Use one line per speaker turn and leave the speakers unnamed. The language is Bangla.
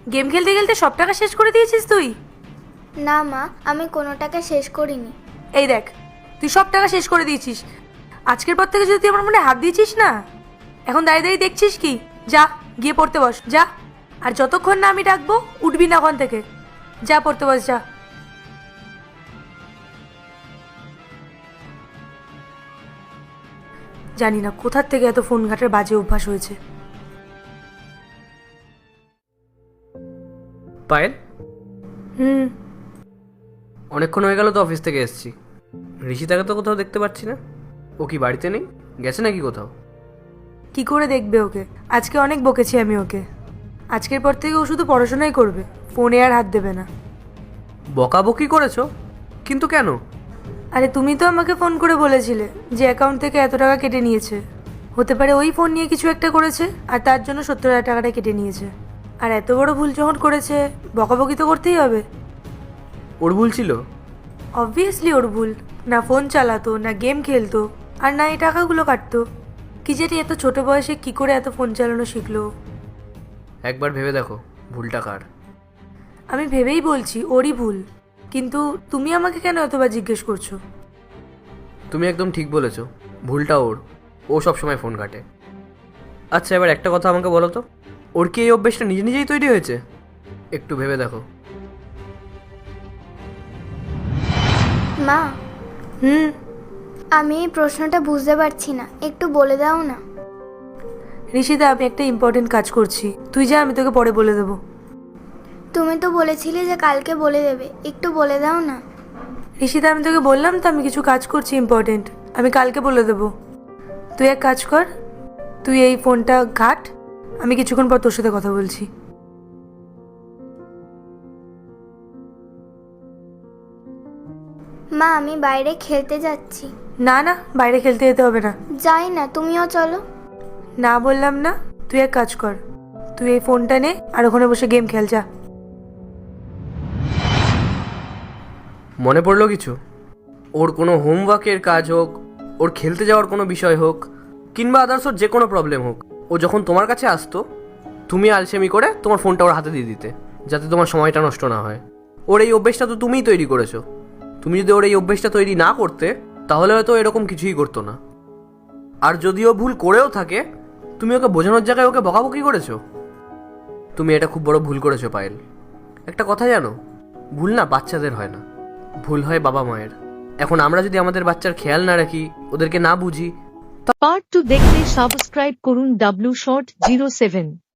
গেম খেলতে খেলতে সব টাকা শেষ করে দিয়েছিস তুই?
না মা, আমি কোনো টাকা শেষ করিনি।
এই দেখ, তুই সব টাকা শেষ করে দিয়েছিস। আজকের পর থেকে যদি তুই আমার মনে হাত দিয়েছিস না, এখন দাঁড়িয়ে দাঁড়িয়ে দেখছিস কি? যা গিয়ে পড়তে বস, যা। আর যতক্ষণ না আমি ডাকবো উঠবি না ওখান থেকে। যা পড়তে বস, যা। জানি না কোথার থেকে এত ফোন ঘাটার বাজে অভ্যাস হয়েছে।
পায়েল,
হুম।
অনেকক্ষণ হয়ে গেল তো অফিস থেকে এসেছি। ঋষিতাকে তো কোথাও দেখতে পাচ্ছি না। ও কি বাড়িতে নেই? গেছে নাকি কোথাও?
কি করে দেখবে ওকে? আজকে অনেক বকেছি আমি ওকে। আজকের পর থেকে ও শুধু পড়াশোনাই করবে, ফোনে আর হাত দেবে না।
বকাবকি করেছো? কিন্তু কেন?
আরে তুমি তো আমাকে ফোন করে বলেছিলে যে অ্যাকাউন্ট থেকে এত টাকা কেটে নিয়েছে। হতে পারে ওই ফোন নিয়ে কিছু একটা করেছে আর তার জন্য 70,000 টাকাটা কেটে নিয়েছে। আর এত বড় ভুল যখন করেছে, বকাবকি তো করতেই হবে।
ওর ভুল ছিল?
অবভিয়াসলি ওর ভুল। না ফোন চালাতো, না গেম খেলতো, আর না এই টাকাগুলো কাটতো। কি জানি এত ছোট বয়সে কি করে এত ফোন চালানো শিখলো।
একবার ভেবে দেখো ভুলটা কার।
আমি ভেবেই বলছি ওরই ভুল, কিন্তু তুমি আমাকে কেন এতবার জিজ্ঞেস করছো?
তুমি একদম ঠিক বলেছো, ভুলটা ওর। ও সবসময় ফোন ঘাটে। আচ্ছা, এবার একটা কথা আমাকে বলো তো, ওর কি এই অভ্যেসটা নিজে নিজেই তৈরি হয়েছে? একটু ভেবে দেখো।
মা,
হুম।
আমি এই প্রশ্নটা বুঝতে পারছি না, একটু বলে দাও না।
ঋষিতা, আমি একটা ইম্পর্টেন্ট কাজ করছি, তুই যা, আমি তোকে পরে বলে দেবো।
তুমি তো বলেছিলে যে কালকে বলে দেবে, একটু বলে দাও না।
ঋষিতা, আমি তোকে বললাম তো আমি কিছু কাজ করছি ইম্পর্টেন্ট, আমি কালকে বলে দেবো। তুই এক কাজ কর, তুই এই ফোনটা ঘাট, আমি কিছুক্ষণ পর তোর সাথে কথা বলছি।
মা, আমি বাইরে খেলতে যাচ্ছি।
না না, বাইরে খেলতে যেতে হবে না।
যাই না, তুমিও চলো।
না বললাম না? তুই এক কাজ কর, তুই এই ফোনটা নে আর ওখানে বসে গেম খেল, যা।
মনে পড়লো কিছু? ওর কোনো হোমওয়ার্কের কাজ হোক, ওর খেলতে যাওয়ার কোনো বিষয় হোক, কিংবা আদার্স ওর যে কোনো প্রবলেম হোক, ও যখন তোমার কাছে আসতো, তুমি আলসেমি করে তোমার ফোনটা ওর হাতে দিয়ে দিতে, যাতে তোমার সময়টা নষ্ট না হয়। ওর এই অভ্যেসটা তো তুমিই তৈরি করেছো। তুমি যদি ওর এই অভ্যেসটা তৈরি না করতে, তাহলে হয়তো এরকম কিছুই করতো না। আর যদি ও ভুল করেও থাকে, তুমি ওকে বোঝানোর জায়গায় ওকে বকাবকি করেছো। তুমি এটা খুব বড় ভুল করেছো পায়েল। একটা কথা জানো, ভুল না বাচ্চাদের হয় না, ভুল হয় বাবা মায়ের। এখন আমরা যদি আমাদের বাচ্চার খেয়াল না রাখি, ওদেরকে না বুঝি।
পার্ট 2 দেখতে সাবস্ক্রাইব করুন W Short 07।